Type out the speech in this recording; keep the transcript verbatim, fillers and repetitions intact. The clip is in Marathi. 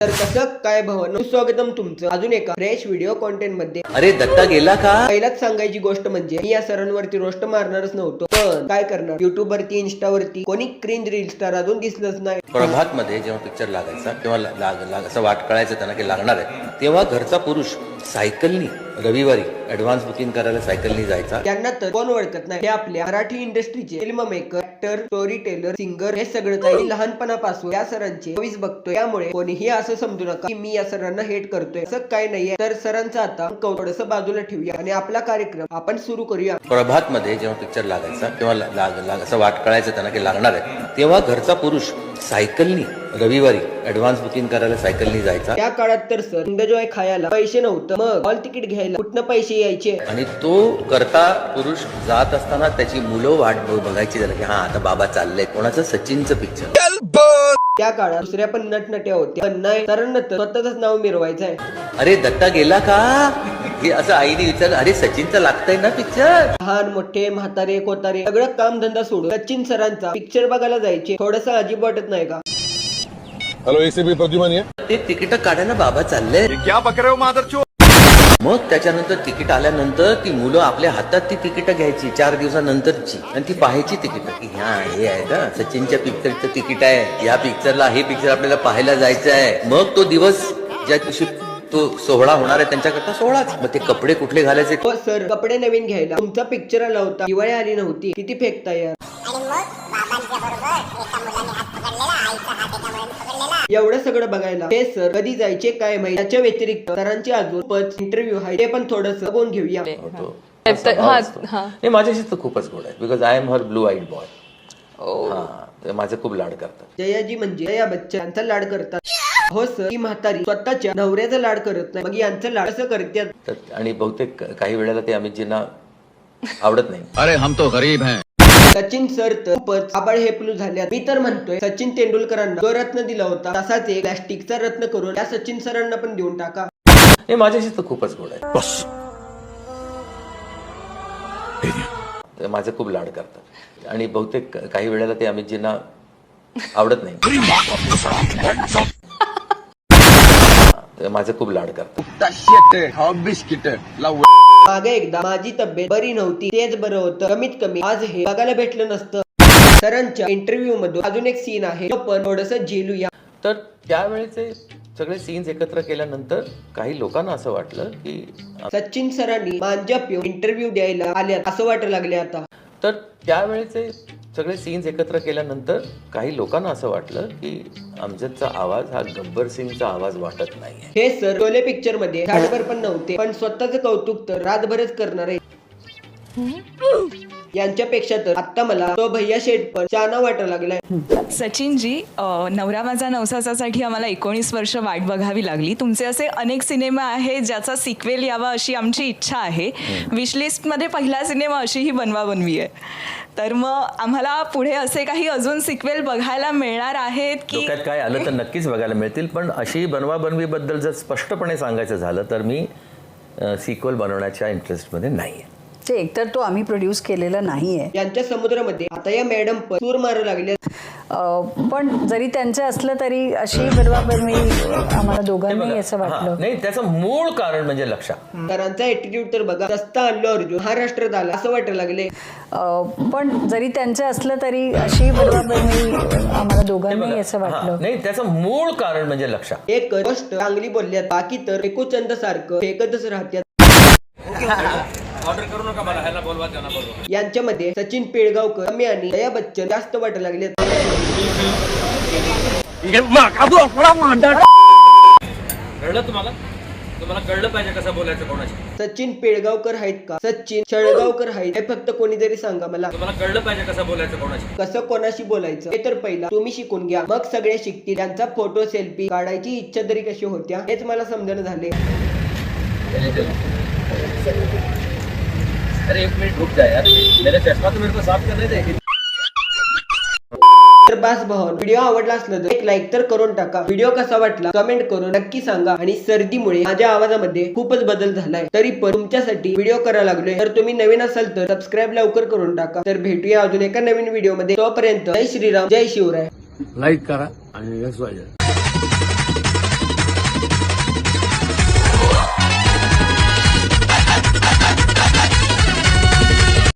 तर कसं काय भावांनो, स्वागतम तुमचं अजून एका फ्रेश व्हिडिओ कॉन्टेंट मध्ये। अरे दत्ता गेला का? पहिलाच सांगायची गोष्ट म्हणजे मी या सरांवरती रोस्ट मारणारच नव्हतो, पण काय करणार, युट्यूब वरती इंस्टा वरती कोणी क्रिंज रील स्टार अजून दिसलंच नाही। प्रभात मध्ये जेव्हा पिक्चर लागायचा तेव्हा लाग लाग असं वाट कळायचं त्यांना की लागणार आहे, तेव्हा घरचा पुरुष सायकलनी रविवारी ऍडव्हान्स बुकिंग करायला सायकलनी जायचा। त्यांना तर कोण ओळखत नाही, हे आपल्या मराठी इंडस्ट्रीचे film maker, actor, storyteller, singer हे सगळं काही लहानपणापासून या सरांचे मूवीज बघतोय। त्यामुळे कोणीही असं समजू नका की मी या सरांना हेट करतोय, असं काय नाहीये। तर सरांचं आता थोडंसं बाजूला ठेवूया आणि आपला कार्यक्रम आपण सुरू करूया। प्रभात मध्ये जेव्हा पिक्चर लागायचा तेव्हा लाग लाग असं वाट कळायचं त्यांना की लागणार आहे, तेव्हा घरचा पुरुष सायकलनी रविवारी ऍडव्हान्स बुकिंग करायला सायकलनी जायचा। त्या काळात तर सर एन्जॉय खायला पैसे नव्हतं, मग हॉल तिकीट घ्यायला कुठनं पैसे यायचे। आणि तो करता पुरुष जात असताना त्याची मुलं वाट बघायची झालं की हा आता बाबा चाललंय कोणाचं, सचिनचं पिक्चर। त्या काळात दुसऱ्या पण नटनट्या होत्या, पण नाही, सरांना तर स्वतःच नाव मिरवायचं आहे। अरे दत्ता गेला का हे असं आईने विचारलं, अरे सचिनचं लागतंय ना पिक्चर। लहान मोठे म्हातारे कोतारे सगळं काम धंदा सोडून सचिन सरांचा पिक्चर बघायला जायचे। थोडंसं अजीब वाटत नाही का? हेलो एसीबी प्रद्युमन है। ते तिकीट काढायला बाबा चालले, क्या बक रहे हो मादरचोद। मग त्याच्यानंतर तिकीट आल्यानंतर ती मुलं आपल्या हातात ती तिकीट घ्यायची चार दिवसानंतरची आणि ती पाहायची तिकीट की ह्या हे आहे का सचिनच्या पिक्चरचं तिकीट आहे, या पिक्चरला हे पिक्चर आपल्याला पाहायला जायचं आहे। मग तो दिवस ज्या दिवशी तो सोहळा होणार आहे त्यांच्याकरता सोहळाच। मग ते कपडे कुठले घालायचे? हो सर, कपडे नवीन घ्यायला तुमचा पिक्चर आला होता, दिवाळी आली नव्हती, किती फेकता यार। एवढं सगळं बघायला हे सर कधी जायचे काय माहिती। त्याच्या व्यतिरिक्त सरांचे अजून पच इंटरव्ह्यू आहे, ते पण थोडंसं बघून घेऊया। हे माझ्याशी तर खूपच गोड आहे, because I am her blue eyed boy. माझे खूप लाड करतात। जयाजी म्हणजे जया बच्चन, यांचा लाड करतात। हो सर, ही म्हातारी स्वतःच्या नवऱ्याचा लाड करत नाही, मग यांचं लाड कसं करतात? आणि बहुतेक काही वेळेला ते अमितजींना आवडत नाही। अरे हम तो गरीब हैं। सचिन सर तर खूपच आबाळ हेपलू झाल्यात। मी तर म्हणतोय सचिन तेंडुलकरांना जो रत्न दिला होता तसाच एक प्लॅस्टिकचा रत्न करून त्या सचिन सरांना पण देऊन टाका। हे माझ्याशी तर खूपच गोड आहे, बस ते माझे खूप लाड करतात। आणि बहुतेक काही वेळेला ते अमितजींना आवडत नाही, ते माझे खूप लाड करतात। मागे एकदा माझी तब्येत बरी नव्हती, तेच बरं होतं, कमीत कमी आज हे बघायला भेटलं नसतं। सरांच्या इंटरव्ह्यू मधून अजून एक सीन आहे, तो पण थोडंसं झेलूया। तर त्यावेळेचे सगळे सीन्स एकत्र केल्यानंतर काही लोकांना असं वाटलं की सचिन सरांनी मांजा पिऊन इंटरव्ह्यू द्यायला आल्यात असं वाटायला लागले आता। तर त्यावेळेचे सगळे सीन्स एकत्र केल्यानंतर काही लोकांना असं वाटलं की अमजदचा आवाज हा गब्बर सिंगचा आवाज वाटत नाहीये। हे सर शोले पिक्चर मध्ये झाडभर पण नव्हते, पण स्वतःच कौतुक तर रातभरच करणार आहे। यांच्यापेक्षा तर आता मला तो भैया शेठ पण चाना वाटायला लागलाय। सचिनजी, नवरा माझा नवसासाठी आम्हाला एकोणीस वर्ष वाट बघावी लागली। तुमचे असे अनेक सिनेमा आहेत ज्याचा सिक्वेल यावा अशी आमची इच्छा आहे। विशलिस्टमध्ये पहिला सिनेमा अशी ही बनवा बनवी आहे, तर मग आम्हाला पुढे असे काही अजून सिक्वेल बघायला मिळणार आहेत की? डोक्यात काय आलं तर नक्कीच बघायला मिळतील, पण अशी बनवा बनवीबद्दल जर स्पष्टपणे सांगायचं झालं तर मी सिक्वेल बनवण्याच्या इंटरेस्टमध्ये नाही आहे। ते एकतर तो आम्ही प्रोड्यूस केलेला नाहीये। यांच्या समुद्रामध्ये आता या मॅडम पण सूर मारू लागले, पण जरी त्यांचं असलं तरी अशी बरोबर मी आम्हाला दोघांनाही असं वाटलं नाही, त्याचं मूळ कारण म्हणजे लक्षा। सरांचा ऍटिट्यूड तर बघा, सस्ता अल्लू अर्जुन महाराष्ट्रात आला असं वाटायला लागले। पण जरी त्यांचं असलं तरी अशी बरोबर मी आम्हाला दोघांनाही असं वाटलं नाही, त्याचं मूळ कारण म्हणजे लक्षा। एक गोष्ट चांगली बोलल्यात, बाकी तर एकोचंद सारखं फेकतच राहत्यात। ऑर्डर करू नका, मला ह्याला बोलवा त्यांना बोलवा। यांच्यामध्ये सचिन पिळगावकर कमी आणि जया बच्चन जास्त वाटायला लागले। कळलं तुम्हाला? तुम्हाला कळलं पाहिजे कसं बोलायचं कोणाशी। सचिन पिळगावकर आहेत का सचिन शळगावकर आहेत हे फक्त कोणीतरी सांगा मला। तुम्हाला कळलं पाहिजे कसं बोलायचं कोणाशी। कसं कोणाशी बोलायचं हे तर पहिला तुम्ही शिकून घ्या, मग सगळे शिकतील। त्यांचा फोटो सेल्फी काढायची इच्छा तरी कशी होत्या हेच मला समजणं झाले। अरे एक मिनिट रुक जा यार, मेरा चष्मा तो मेरे को साफ करने दे। तर बास भावांनो, व्हिडिओ आवडला असला तर एक लाईक तर करून टाका। व्हिडिओ कसा वाटला कमेंट करून नक्की सांगा। आणि सर्दीमुळे माझ्या आवाजामध्ये खूपच बदल झालाय, तरी पण तुमच्यासाठी व्हिडिओ करायला लागलोय। तर तुम्ही नवीन असाल तर सबस्क्राईब लवकर करून टाका। तर भेटूया अजून एका नवीन व्हिडिओ मध्ये, तोपर्यंत जय श्रीराम जय शिवराय। लाईक करा आणि